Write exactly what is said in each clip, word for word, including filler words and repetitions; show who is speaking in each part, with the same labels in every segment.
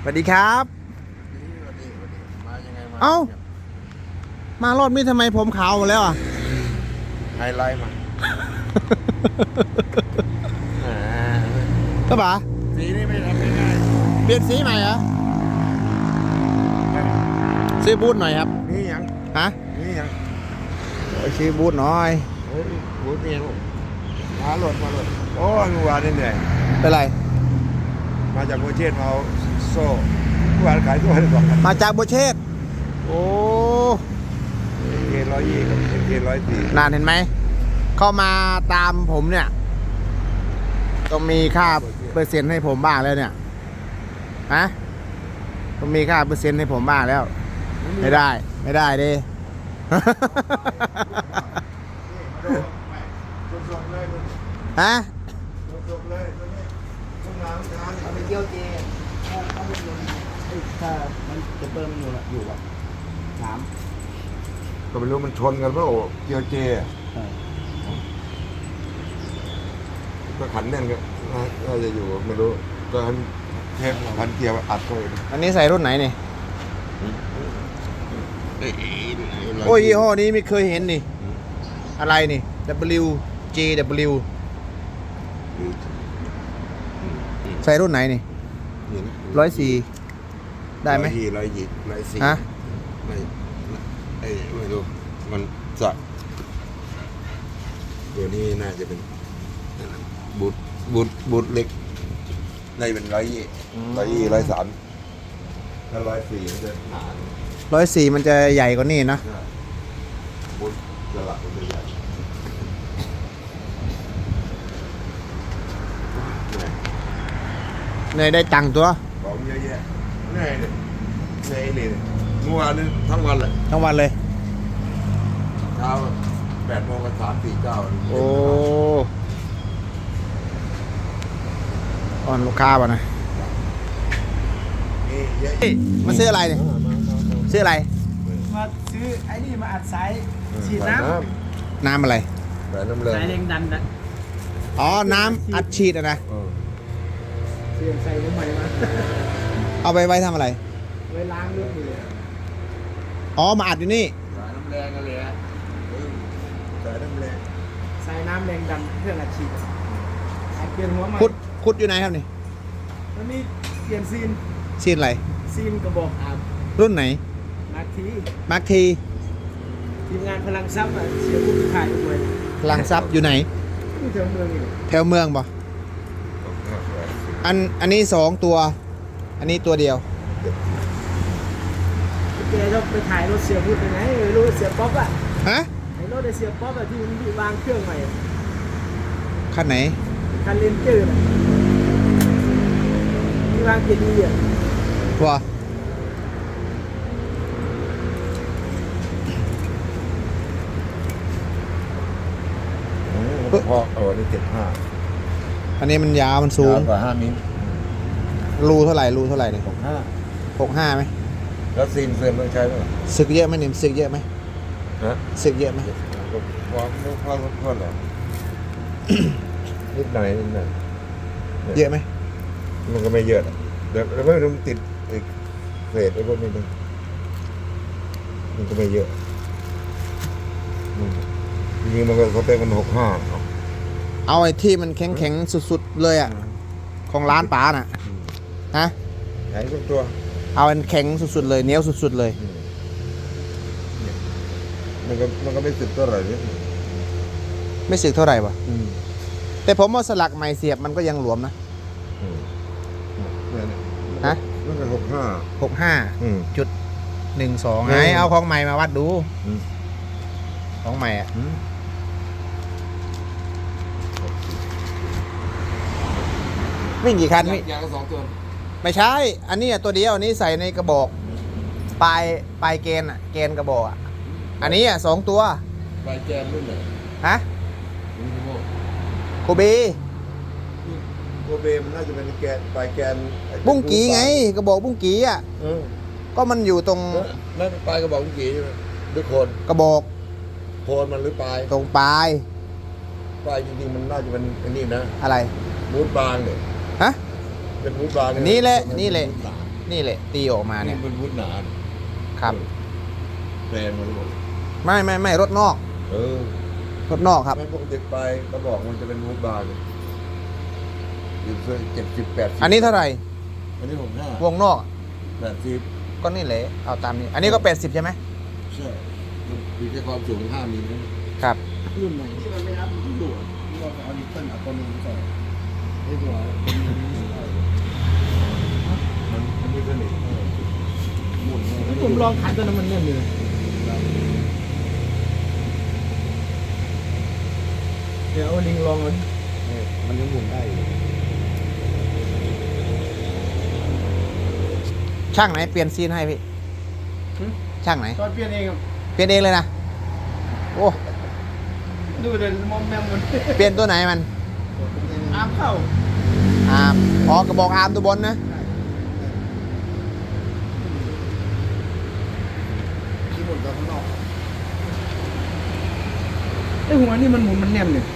Speaker 1: วัสดีครับเอ้ามารอบนี้ทำไมผมขาวหมดแล้วอ่ะ
Speaker 2: ไฮไลท์มา
Speaker 1: ก็ป๋า
Speaker 2: สีนี่ไม่ทำง่าย
Speaker 1: เปลี่ยนสีใหม่เหรอซื้อบูทหน่อยครับ
Speaker 2: นี่ยัง
Speaker 1: ฮะ
Speaker 2: นี่ยัง
Speaker 1: ซื้อบูทหน่อย
Speaker 2: เฮ้ยบูทนี่ยังมาหลดมาหลดโอ้ยเมื่อวานนี่เหนื่อย
Speaker 1: เป็นไร
Speaker 2: มาจากโบเชตมาเอาโซ่เมื่อวานขายตัวได้สองพัน
Speaker 1: มาจากโบเชตโอ้
Speaker 2: เกณฑ์ร้อยยี่กับเกณฑ์ร้อยสี่
Speaker 1: นานเห็นไหมเข้ามาตามผมเนี่ยต้องมีค่าเปอร์เซ็นต์ให้ผมบ้างแล้วเนี่ยฮะต้องมีค่าเปอร์เซ็นต์ให้ผมบ้างแล้วไม่ได้ไม่ได้ดิฮะ
Speaker 3: เอาไปเกี่ยวเจถ้าถ้ามันถ้ามันจะเปิดมันอยู่อยู่แบบถาม
Speaker 2: ก็ไม่รู้มันชนกันเปล่าเกียวเจก็ขันแน่นก็น่าจะอยู่ไม่รู้ก็เทปพันเกียร์อัดเข้าไป
Speaker 1: อันนี้ใส่รุ่นไหนนี่โอ้ยยี่ห้อนี้ไม่เคยเห็นนี่อะไรนี่ W J W ใส่รุ่นไหนนี่ร้อยสี่ได้ไหม
Speaker 2: ร้อยยี่ร้อยยี่ร้อยสี่
Speaker 1: ฮะ
Speaker 2: ไม่ไอ้ไม่รู้มันจะตัวนี้น่าจะเป็นบูทบูทบูทเล็กน่าจะเป็นร้อยยี่ร้อยยี่ร้อยสามถ้าร้อยสี่มันจะหนา
Speaker 1: ร้อยสี่มันจะใหญ่กว่านี้นะ
Speaker 2: บูทจะหลักมันจะใหญ่
Speaker 1: เนยได้ตังค์ตัว
Speaker 2: ของเยอะแยะเหนื่อยเลยเหนื่อยเลยเมื่อวานนี้ทั้งวันเลย
Speaker 1: ทั้งวันเลย
Speaker 2: เช้าแปดโมงกับสามสี่เก้า
Speaker 1: โอ้อ่อนลูกค้าป่ะนะมาซื้ออะไรเนี่ยซื้ออะไร
Speaker 3: มาซื้อไอ้นี่มาอัดสายฉีดน้
Speaker 1: ำน้ำอะไร
Speaker 2: สายน้ำแรง
Speaker 3: สายแรงดันนะ
Speaker 1: อ๋อน้ำอัดฉีดอะนะ
Speaker 3: เสียงใส่ลงใหม่มา
Speaker 1: เอาไปไว้ทำอะไร
Speaker 3: ไว้ล้างรถเลย
Speaker 1: อ๋อมาอัดอยู่นี่
Speaker 2: สายน้ำแรงกันเลยฮะสายน้ำแรง
Speaker 3: สายน้ำแรงดันเครื่องอัดฉีดเปลี่ยนหัวใหม่
Speaker 1: ขุดขุดอยู่ไหนครับนี่
Speaker 3: มันมีเปลี่ยนซีน
Speaker 1: ซีนอะไร
Speaker 3: ซีนกระบอกอาบ
Speaker 1: รุ่นไหน
Speaker 3: มาร์คที
Speaker 1: มาร์คที
Speaker 3: ทีมงานพลังซับอ่ะเสียผู้ถ่ายด้วย
Speaker 1: พลังซับอยู่ไหน
Speaker 3: แถวเมืองนี่
Speaker 1: แถวเมืองป่ะอันอันนี้สองตัวอันนี้ตัวเดียว
Speaker 3: แกต้องไปถ่ายรถเสียพูดยังไงรถเสียป๊อปอ่ะ
Speaker 1: ฮะ
Speaker 3: ไอ้รถเสียป๊อปอ่ะที่มันวางเครื่องใหม่
Speaker 1: คันไหน
Speaker 3: คันเลนเจอร์ที่วางเกียร์ดีอ่ะ
Speaker 1: ว้า
Speaker 2: พอโอ้นี่เจ็ดห้า
Speaker 1: อันนี้มันยาวมันสูง
Speaker 2: กว่าห้ามิล
Speaker 1: รูเท่าไหร่รูเท่าไหร่เนี่ย
Speaker 2: หกห้า
Speaker 1: หกห้าไหม
Speaker 2: แล้วซีนเฟรมต้องใช้ไหม
Speaker 1: สึกเยอะไหมเนี่ยสึกเยอะไหม
Speaker 2: ฮะ
Speaker 1: สึกเยอะไหม
Speaker 2: ความไม่พอลดทอนหรอนิดหน่อยนิดหน่อย
Speaker 1: เยอะไหม
Speaker 2: มันก็ไม่เยอะเดี๋ยวแล้วไม่รู้ติดอีกเศษไอ้พวกนี้มันมันก็ไม่เยอะจริงๆมันก็เขาเต็มกันหกห้า
Speaker 1: เอาไอ้ที่มันแข็งแข็งสุดๆเลยอ่ะของร้านป๋าน่ะฮะ
Speaker 2: แข็งทุกตัว
Speaker 1: เอาอันแข็งสุดๆเลยเหนียวสุดๆเลย
Speaker 2: มันก็มันก็ไม่สึกเท่าไหร่เนี่ย
Speaker 1: ไม่สึกเท่าไหร่ป่ะแต่ผมว่าสลักใหม่เสียบมันก็ยังหลวมนะฮะ
Speaker 2: มันก็หกห้า
Speaker 1: หกห้าจุดหนึ่งสองไงเอาของใหม่มาวัดดูของใหม่อ่ะวิ่งกี่คัน
Speaker 2: ยางสองตัว
Speaker 1: ไม่ใช่อันนี้ตัวเดียวอันนี้ใส่ในกระบอกปลายปลายเกนอ่ะเกนกระบอกอ่ะอันนี้อ่ะสองตัว
Speaker 2: ปลายแกนรุ่นไหน
Speaker 1: ฮะโคเบ
Speaker 2: โคเบมันน่าจะเป็นแกนปลายแกน
Speaker 1: บุ้งกีไงกระบอกบุ้งกีอ่ะก็มันอยู่ตรง
Speaker 2: นั่นปลายกระบอกบุ้งกีใช่ไหมหรือโคน
Speaker 1: กระบอก
Speaker 2: โคนมันหรือปลาย
Speaker 1: ตรงปลาย
Speaker 2: ปลายจริงๆมันน่าจะเป็นอันนี้นะ
Speaker 1: อะไร
Speaker 2: มูดบางเนี่ย
Speaker 1: ฮะ
Speaker 2: เป็นมูดบาง
Speaker 1: นี่แหละนี่แหละนี่แหละตีออกมา
Speaker 2: นี่
Speaker 1: เนี่ย
Speaker 2: เป็นวุฒิหนา
Speaker 1: ครับ
Speaker 2: แปลงมันหมด
Speaker 1: ไม่ไม่ไม่รถนอก
Speaker 2: เออ
Speaker 1: รถนอกครับ
Speaker 2: ไม่ปกติไปก็บอกมันจะเป็นวุฒิบาร์เลยอยู่เส้นเจ็ดสิบแปดสิบ
Speaker 1: อันนี้เท่าไหร่
Speaker 2: อันนี้ผมห้าว
Speaker 1: งนอก
Speaker 2: แปดสิบ
Speaker 1: ก็นี่แหละเอาตามนี้ อันนี้ก็แปดสิบใช่ไหม
Speaker 2: ใช่มันมีแค่ความสูงห้ามิลนะครับ
Speaker 3: รุ่นใหม่ที่มันไม่รับมันดูดที่เราเอาดิสเทิลอัตโนมัติใส่ไอ้ตัว
Speaker 2: มันมันไม่สนิทเออหมุนเลย
Speaker 3: ผมลองขันตัวนั้นมันแน่นเลยเดี๋ยวเอาลิงลองมันมันยังหมุนได้อยู่
Speaker 1: ช่างไหนเปลี่ยนซีนให้พี่ช่างไหน
Speaker 3: ตอนเปลี่ยนเองครับ
Speaker 1: เปลี่ยนเองเลยนะโอ้
Speaker 3: ดูเลยมอมแมมมัน
Speaker 1: เปลี่ยนตัวไหนมัน
Speaker 3: อาร์มเข้า
Speaker 1: อาร์มอ๋อกระบอกอาร์มตัวบนนะ
Speaker 3: ที่หมุนตัวข้างนอกไอ้หัวนี่มันหมุนมันแนมเนี่ย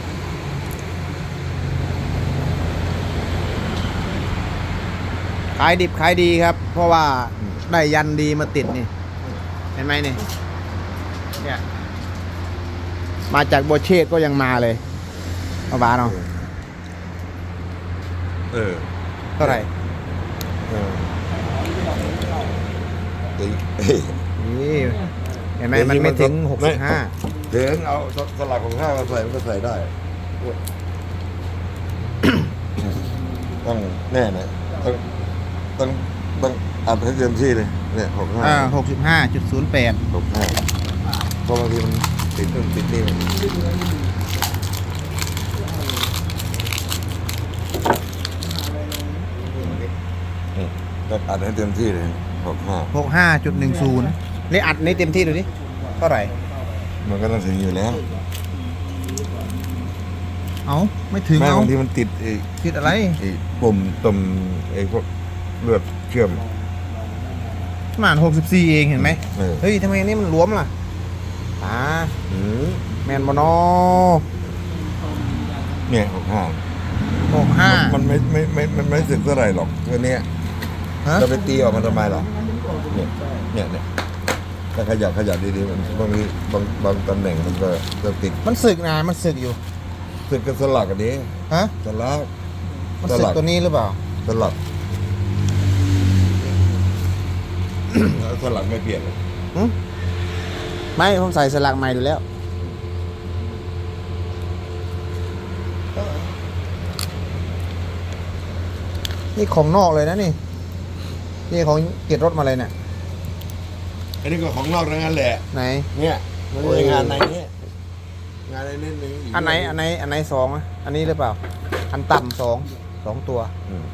Speaker 1: ขายดิบขายดีครับ เพราะว่าได้ยันดีมาติดนี่ เห็นไหมนี่เนี่ยมาจากโบเชตก็ยังมาเลยเอาบาเนาะ
Speaker 2: เออ
Speaker 1: เท่าไหร่
Speaker 2: เออตีเอ้ย
Speaker 1: นี่เห็นไหมมันไม่ถึงหกสิบห้า
Speaker 2: เดี๋ยวเอาสลักของข้าวมาใส่มันก็ใส่ได้ ต้องแน่นะต้องต้องต้องอัดให้เต็มที่เลยเนี่ยหกห้า
Speaker 1: อ่าหกสิบห้าจุดศูนย์แปด
Speaker 2: หกห้าเพราะบางทีมันติดนู่นติดนี่มันอืมต้องอัดให้เต็มที่เลยหกห้า
Speaker 1: หกห้าจุดหนึ่งศูนย์นี่อัดนี่เต็มที่ดูดิเท่าไหร่
Speaker 2: มันก็ต้องถึงอยู่แล้ว
Speaker 1: เอาไม่ถึง
Speaker 2: แม่
Speaker 1: เอา
Speaker 2: บางทีมันติดไอ้
Speaker 1: ติดอะไร
Speaker 2: ไอ้ปุ่มตุ่มไอ้พวกเลือดเชื่อม
Speaker 1: ประมาณหกสิบสี่เองเห็นไหม
Speaker 2: เออ
Speaker 1: เฮ้ยทำไมอันนี่มันหลวมล่ะอ่า
Speaker 2: อืม
Speaker 1: แมนบอนอ
Speaker 2: เนี่ยหกห้า
Speaker 1: หกห้า
Speaker 2: มันไม่ไม่ไม่มันไม่สึกเท่าไหร่หรอกตัวเนี้ย
Speaker 1: ฮะ
Speaker 2: จะไปตีออกมันทำไมหรอเนี่ยเนี่ยเนี่ยถ้าขยับขยับดีๆมันบางทีบางบางตำแหน่งมันก็จะติด
Speaker 1: มันสึกนะมันสึกอยู่
Speaker 2: สึกกันสลักอันนี้
Speaker 1: ฮะ
Speaker 2: สลัก
Speaker 1: มันสึกตัวนี้หรือเปล่า
Speaker 2: สลัก แล้วสลักไม่เปลี่ยนเลย
Speaker 1: หึไม่ผมใส่สลักใหม่อยู่แล้วนี่ของนอกเลยนะนี่นี่ของเกียรติรถมาเลยเนี่ย
Speaker 2: อันนี้ก็ของนอกทั้งนั้นแหละ
Speaker 1: ไหน
Speaker 2: เนี่ยมันเป็นงานในนี้งานในนี้นึงก
Speaker 1: อันไหนอันไหนอันไหนสองอะอันนี้หรือเปล่า อันต่ำสองสองตัว
Speaker 2: อืม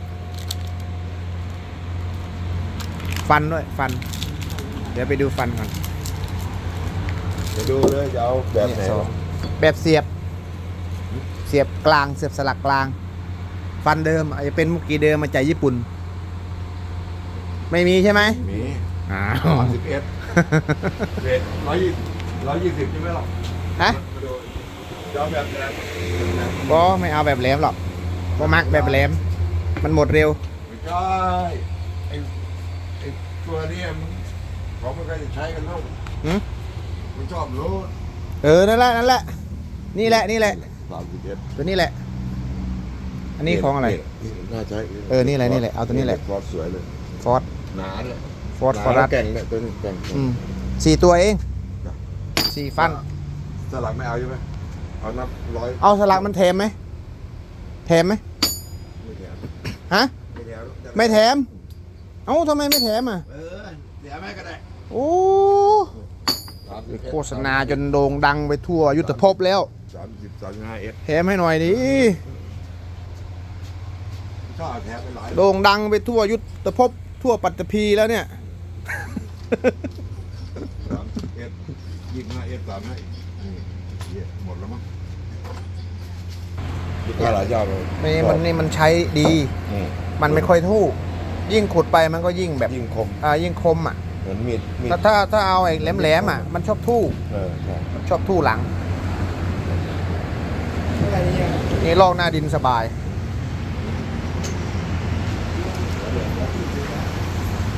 Speaker 1: ฟันด้วยฟัน เดี๋ยวไปดูฟันก่อน
Speaker 2: เดี๋ยวดูเลยจะเอาแบบไหน
Speaker 1: เนี่ยสองแบบเสียบ เสียบกลางเสียบสลักกลาง ฟันเดิมอาจจะเป็นมุกกีเดิมมาจากญี่ปุ่น ไม่มีใช่ไหม
Speaker 2: มี
Speaker 1: อ้า
Speaker 2: สามสิบเอ็ดเรทร้อยยี่ร้อยยี่สิบใช่ไหมหรอ
Speaker 1: ฮะ
Speaker 2: มาดูจะเอาแบบไหน
Speaker 1: ก็ไม่เอาแบบแหลมหรอกก็มักแบบแหลม มันหมดเร็ว
Speaker 2: ไม่ใช่ไอ้ไอ้ตัวเนี้มันเขาไม่ค่อยจะใช้กันแล้ว
Speaker 1: หืม
Speaker 2: มันชอบรถ
Speaker 1: เออ นั่นแหละ นั่นแหละ นี่แหละ นี่แหละ
Speaker 2: สามสิบเอ็ด
Speaker 1: ตัวนี้แหละ อันนี้ของอะไร
Speaker 2: น่าใช้
Speaker 1: เออนี่แหละนี่แหละเอาตัวนี้แหละ
Speaker 2: ฟอร์ดสวยเลย
Speaker 1: ฟอร์ด
Speaker 2: หนาเลย
Speaker 1: ฟอร์ด
Speaker 2: หนา
Speaker 1: ฟอร์
Speaker 2: แล้
Speaker 1: รั
Speaker 2: ว
Speaker 1: ส
Speaker 2: แก่งเนี่ยตัวนี้แก่ง
Speaker 1: อืมสี่ตัวเอง สี่ฟัน
Speaker 2: สลักไม่เอาใช่ไหมเอานับร้อย
Speaker 1: เอาสลักมันแถมไหมแถมไหม
Speaker 2: ไม่แถม
Speaker 1: ฮะ
Speaker 2: ไม่แถม
Speaker 1: ไม่แถม เอ้าทำไมไม่แถมอ่ะ
Speaker 2: เออเสียแม่ก็ได้
Speaker 1: โอ้
Speaker 2: สามสิบเอ็ด
Speaker 1: โฆษณาจนโด่งดังไปทั่วยุทธภพแล้ว
Speaker 2: สามสิบสามสิบห้าเอส
Speaker 1: แถมให้หน่อยดิ
Speaker 2: ชอบแถมไปหลาย
Speaker 1: โด่งดังไปทั่วยุทธภพทั่วปัตตภีแล้วเนี่ย
Speaker 2: สามสิบเอสยี่สิบห้าเอสสามให้นี่เหี้ยหมดแล้วมั้งลูกค้าหลายเจ้าเลย
Speaker 1: นี่มันนี่มันใช้ดี
Speaker 2: อืม
Speaker 1: มันไม่ค่อยทู่ ยิ่งขุดไปมันก็ยิ่งแบบ
Speaker 2: ยิ่งคม
Speaker 1: อ่ายิ่งคมอ่ะ
Speaker 2: เหมือนมีดมีด
Speaker 1: ถ้าถ้าถ้าเอาไอ้แหลมๆอ่ะมันชอบทู่
Speaker 2: เออใช่
Speaker 1: ชอบทู่หลัง นี่ลอกหน้าดินสบาย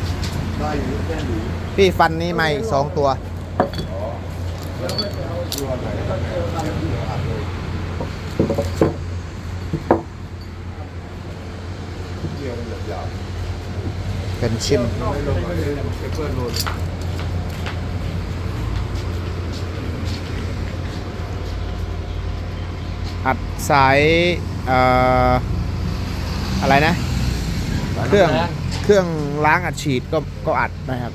Speaker 2: ได้อยู่แค่หนี
Speaker 1: พี่ฟันนี้มาอีกสองตัว
Speaker 2: อ๋อแล้วไม่ไปเอาตัวไหนก็เจอกันที่อัดเลยเกี่ยวมันหยาบ
Speaker 1: เป็นชิ้น
Speaker 2: ๆไม่ลงมาเลยเพื่อนโดน
Speaker 1: อัดสายเอ่ออะไรนะ เครื่องเครื่องล้างอัดฉีดก็ก็อัดนะครับ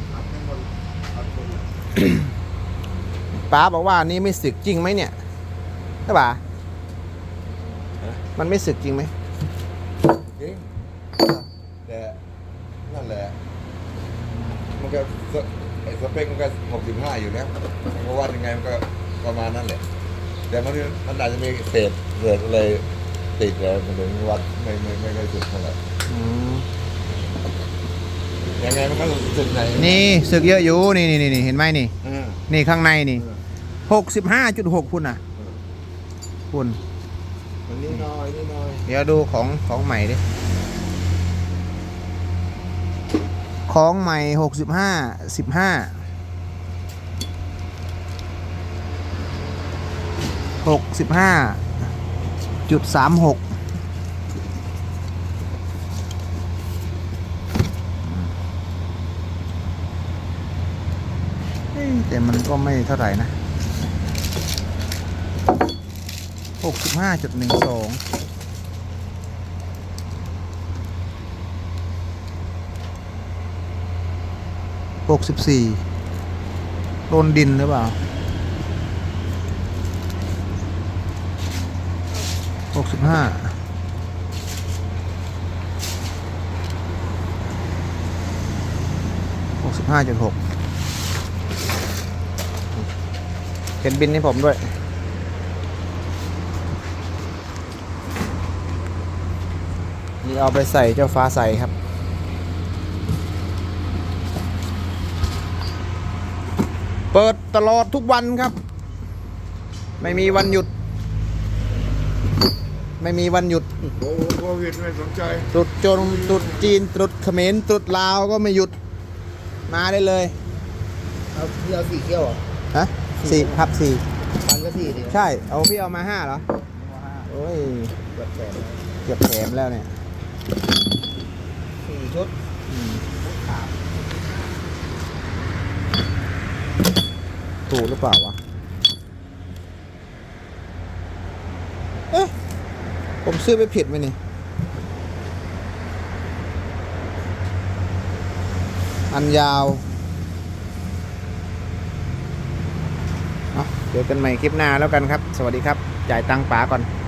Speaker 1: ป้าบอกว่านี่ไม่สึกจริงไหมเนี่ยใช่ป่ะมันไม่สึกจริงไหม
Speaker 2: จริงแต่นั่นแหละมันก็สไอ้สเปคมันก็หกสิบห้าอยู่แล้วมันก็วัดยังไงมันก็ประมาณนั้นแหละแต่มันมันอาจจะมีเศษเศษอะไรติดแล้วมันถึงวัดไม่ไม่ไม่ค่อยสุดเท่าไหร่
Speaker 1: อืม
Speaker 2: ยังไงมันก็สุดไหน
Speaker 1: นี่สึกเยอะอยู่นี่นี่นี่เห็นไหมนี่
Speaker 2: อ่า
Speaker 1: นี่ข้างในนี่
Speaker 2: อ่า
Speaker 1: หกสิบห้าจุดหกพุ่นอ่ะพุ่น
Speaker 2: มันนี่น้อยนี่น้อย
Speaker 1: เดี๋ยวดูของของใหม่ดิของใหม่หกสิบห้าสิบห้าหกสิบห้าจุดสามหกแต่มันก็ไม่เท่าไหร่นะหกสิบห้าจุดหนึ่งสองหกสิบสี่โดนดินหรือเปล่าหกสิบห้าหกสิบห้าจุดหกเขียนบินให้ผมด้วยนี่เอาไปใส่เจ้าฟ้าใสครับเปิดตลอดทุกวันครับไม่มีวันหยุดไม่มีวันหยุด
Speaker 2: โอ้โควิดไม่สนใจ
Speaker 1: ตรุษจนตรุษจีนตรุษเขมรตรุษลาวก็ไม่หยุดมาได้เลย
Speaker 3: เอาพี่เอาสี่เขี้ยวเหรอ
Speaker 1: ฮะสี่ครับสี่
Speaker 3: ฟันก็สี่ดิ
Speaker 1: ใช่เอาพี่เอามาห้าเหรอโอ้ย
Speaker 3: แบบแสน
Speaker 1: เกือบแถมแล้วเนี่ย
Speaker 3: สี่ชุด
Speaker 1: อืมถูกหรือเปล่าวะเอ๊ะผมซื้อไปผิดไหมนี่อันยาวเอาเจอกันใหม่คลิปหน้าแล้วกันครับ สวัสดีครับ จ่ายตังค์ป๋าก่อน